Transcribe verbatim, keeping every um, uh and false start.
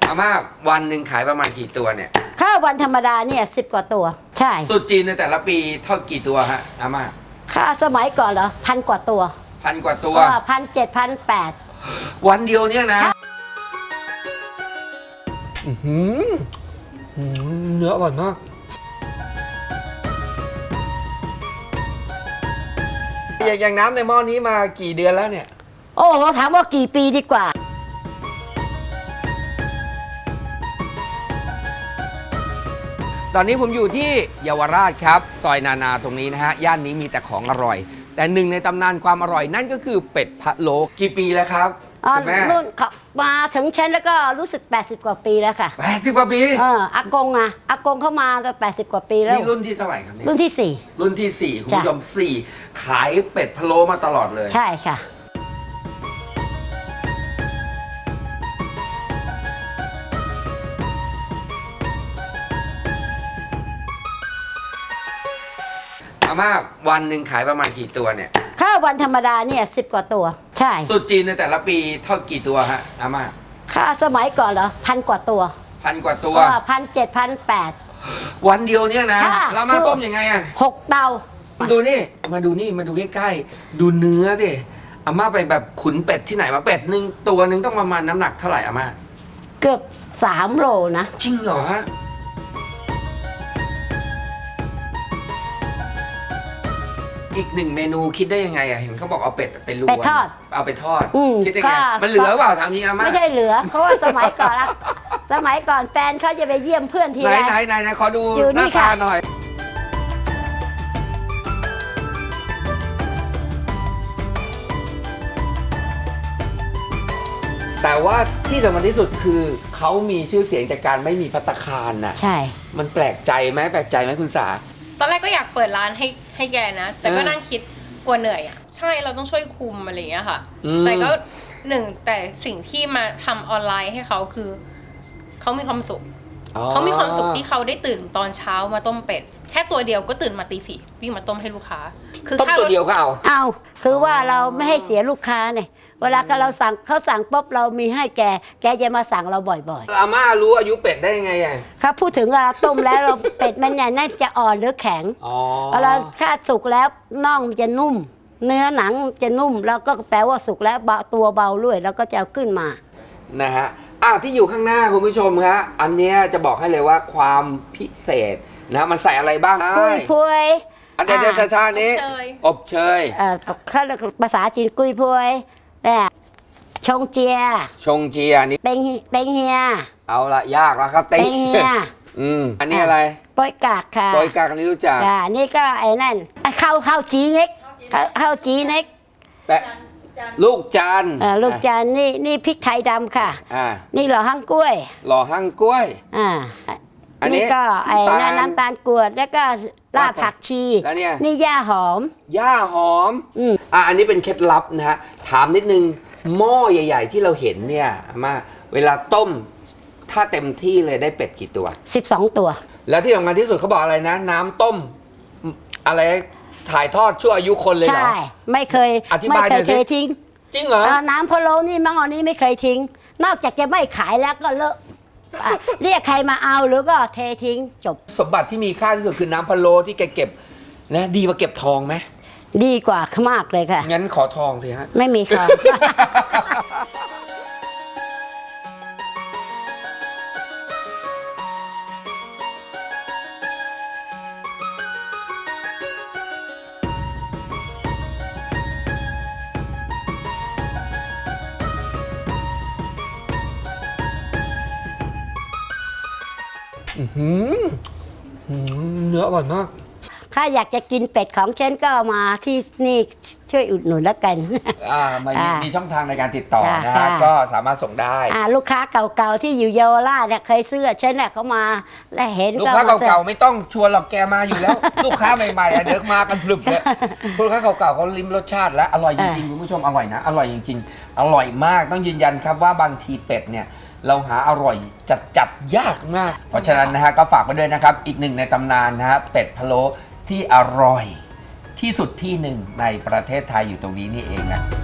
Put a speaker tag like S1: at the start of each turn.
S1: อาม่าวันหนึ่งขายประมาณกี่ตัวเนี่ย
S2: ข้าววันธรรมดาเนี่ยสิบกว่าตัวใช่
S1: ตุ๊จีนในแต่ละปีเท่ากี่ตัวฮะอาม่า
S2: ข้าสมัยก่อนเหรอพันกว่าตัว
S1: พันกว่าตัว
S2: พันเจ็ดพันแปด
S1: วันเดียวเนี่ยนะเนื้ออร่อยมากอย่างน้ำในหม้อนี้มากี่เดือนแล้วเนี่ย
S2: โอ้โหถามว่ากี่ปีดีกว่า
S1: ตอนนี้ผมอยู่ที่เยาวราชครับซอยนานาตรงนี้นะฮะย่านนี้มีแต่ของอร่อยแต่หนึ่งในตำนานความอร่อยนั่นก็คือเป็ดพะโล้กี่ปีแล้วครับคุณแม่
S2: รุ่นมาถึงฉันแล้วก็รู้สึกแปดสิบกว่าปีแล้วค่ะ
S1: แปดสิบกว่าปี
S2: เอออากงอะอากงเข้ามาตั้งแปดสิบกว่าปีแล้ว
S1: นี่รุ่นที่เท่าไหร่ครับเนี่ย
S2: รุ่นที่สี่
S1: รุ่นที่สี่คุณผู้ชมสี่ขายเป็ดพะโล้มาตลอดเลย
S2: ใช่ค่ะ
S1: อาม่าวันหนึ่งขายประมาณกี่ตัวเนี่ย
S2: ข้าววันธรรมดาเนี่ยสิบกว่าตัวใช่
S1: ตุ๊จีนในแต่ละปีเท่ากี่ตัวฮะอาม่า
S2: ข้าสมัยก่อนเหรอพันกว่าตัว
S1: พันกว่าตัว
S2: พันเจ็ดพันแปด
S1: วันเดียวเนี่ยนะแล้วมาต้มยังไงอ่ะ
S2: หกเตา
S1: มาดูนี่มาดูนี่มาดูใกล้ๆดูเนื้อดิอาม่าไปแบบขุนเป็ดที่ไหนมาเป็ดหนึ่งตัวหนึ่งต้องประมาณน้ำหนักเท่าไหร่อาม่า
S2: เกือบสามโลนะ
S1: จริงเหรอฮะอีกหนึ่งเมนูคิดได้ยังไงอะเห็นเขาบอกเอาเป็ดไปลวน
S2: เป็ดทอด
S1: เอาไปทอดคิดได้ไงมันเหลือเปล่าถามจริงอาม่า
S2: ไม่ใช่เหลือเพราะว่าสมัยก่อนละสมัยก่อนแฟนเขาจะไปเยี่ยมเพื่อนทีไร
S1: ไหนไหนไหนขอดูหน้าตาหน่อยแต่ว่าที่สำคัญที่สุดคือเขามีชื่อเสียงจากการไม่มีภัตตาคารน่ะ
S2: ใช่
S1: มันแปลกใจไหมแปลกใจไหมคุณสา
S3: ตอนแรกก็อยากเปิดร้านให้ให้แกนะแต่ก็นั่งคิดกลัวเหนื่อยอ่ะใช่เราต้องช่วยคุมอะไรอย่างเงี้ยค่ะแต่ก็หนึ่งแต่สิ่งที่มาทำออนไลน์ให้เขาคือเขามีความสุขเขามีความสุขที่เขาได้ตื่นตอนเช้ามาต้มเป็ดแค่ตัวเดียวก็ตื่นมาตีสี่วิ่งมาต้มให้ลูกค้า
S1: คือต้มตัวเดียวก็เอา
S2: เอาคือว่าเราไม่ให้เสียลูกค้าเนี่ยเวลาเราสั่งเขาสั่งปุ๊บเรามีให้แกแกจะมาสั่งเราบ่อย
S1: ๆอาม่ารู้อายุเป็ดได้ยังไงอ่ะ
S2: ครับพูดถึงเราต้มแล้วเราเป็ดมันเนี่ยน่าจะอ่อนหรือแข็งเวลาถ้าสุกแล้วน่องมันจะนุ่มเนื้อหนังจะนุ่มแล้วก็แปลว่าสุกแล้วตัวเบาด้วยแล้วก็จะเอาขึ้นมา
S1: นะฮะอ่ะที่อยู่ข้างหน้าคุณผู้ชมฮะอันนี้จะบอกให้เลยว่าความพิเศษนะมันใส่อะไรบ้าง
S2: กุ้ยพวย
S1: อันเดนชาๆนี้อบเชย
S2: เอ่อภาษาจีนกุ้ยพวยเนี่ยชงเจีย
S1: ชงเจียนี่
S2: เต็งเต็งเฮีย
S1: เอาละยากแล้วครับ
S2: เต็งเฮีย
S1: อืมอันนี้อะไร
S2: ปอยกากค่ะ
S1: ปอยกากอันนี้รู้จัก
S2: อ่านี่ก็ไอ้นั่นข้าวข้าวจีเน็กข้าวจีเน็ก
S1: แปะลูกจาน
S2: อ่าลูกจานนี่นี่พริกไทยดำค่ะอ่านี่หล่อหั่งกล้วย
S1: หล่อหั่งกล้วย
S2: อ่าอันนี้ก็ไอ้นั่นน้ำตาลกรวดแล้วก็รากผักชี
S1: แล้วเนี่ย
S2: นี่ย่าหอม
S1: ย่าหอมอืมอ่ะอันนี้เป็นเคล็ดลับนะฮะถามนิดนึงหม้อใหญ่ๆที่เราเห็นเนี่ยมาเวลาต้มถ้าเต็มที่เลยได้เป็ดกี่ตัว
S2: สิบสองตัว
S1: แล้วที่สำคัญที่สุดเขาบอกอะไรนะน้ำต้มอะไรถ่ายทอดชั่วอายุคนเลยเหรอ
S2: ใช่ไม่เคย
S1: ไม่เคย
S2: เททิ้ง
S1: จริงเหรอ
S2: น้ำพะโล้นี่มังอันนี้ไม่เคยทิ้งนอกจากจะไม่ขายแล้วก็เลิกเรียกใครมาเอาหรือก็เททิ้งจบ
S1: สมบัติที่มีค่าที่สุดคือน้ำพะโล้ที่แกเก็บนะดีกว่าเก็บทองไหม
S2: ดีกว่ามากเลยค่ะ
S1: งั้นขอทองสิฮะ
S2: ไม่มีทอง
S1: เนื้ออร่อยมาก
S2: ถ้าอยากจะกินเป็ดของฉันก็มาที่นี่ช่วยอุดหนุนแล้วกัน
S1: อ่ามีช่องทางในการติดต่อนะฮะก็สามารถส่งได้
S2: อ่าลูกค้าเก่าๆที่อยู่เยาวราชเนี่ยเคยซื้อฉันเนี่ยเขามาและเห็น
S1: ลูกค้าเก่าๆไม่ต้องชวนหรอกแกมาอยู่แล้วลูกค้าใหม่ๆเด็กมากันพลึบเลยลูกค้าเก่าๆเขาลิ้มรสชาติแล้วอร่อยจริงๆคุณผู้ชมอร่อยนะอร่อยจริงๆอร่อยมากต้องยืนยันครับว่าบางทีเป็ดเนี่ยเราหาอร่อยจัดจัดยากมากเพราะฉะนั้นนะฮะก็ฝากไว้ด้วยนะครับอีกหนึ่งในตำนานนะฮะเป็ดพะโล้ที่อร่อยที่สุดที่หนึ่งในประเทศไทยอยู่ตรงนี้นี่เองนะ